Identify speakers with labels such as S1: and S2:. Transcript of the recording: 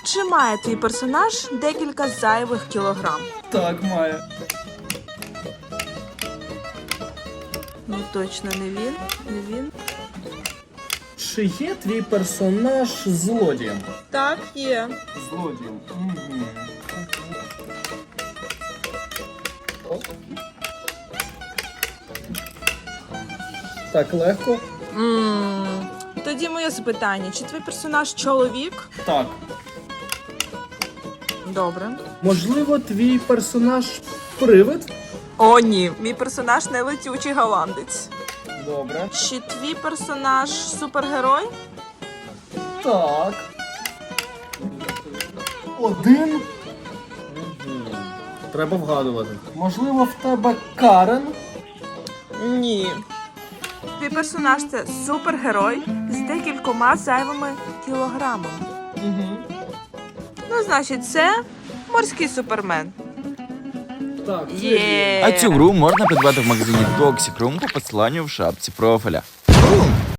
S1: Чи має твій персонаж декілька зайвих кілограм?
S2: Так, має.
S1: Ну точно не він, не він.
S2: Чи є твій персонаж злодієм?
S1: Так, є.
S2: Злодієм. Так, легко?
S1: Тоді моє запитання. Чи твій персонаж чоловік?
S2: Так.
S1: Добре.
S2: Можливо, твій персонаж привид?
S1: О, ні. Мій персонаж не летючий голландець.
S2: Добре.
S1: Чи твій персонаж супергерой?
S2: Так. Один. Треба вгадувати. Можливо, в тебе Карен?
S1: Ні. Твій персонаж це супергерой з декількома зайвими кілограмами. Ну, значить, це морський супермен.
S2: Так, це
S1: Є.
S3: А цю гру можна придбати в магазині Toxic Room по посиланню в шапці профіля. Бум!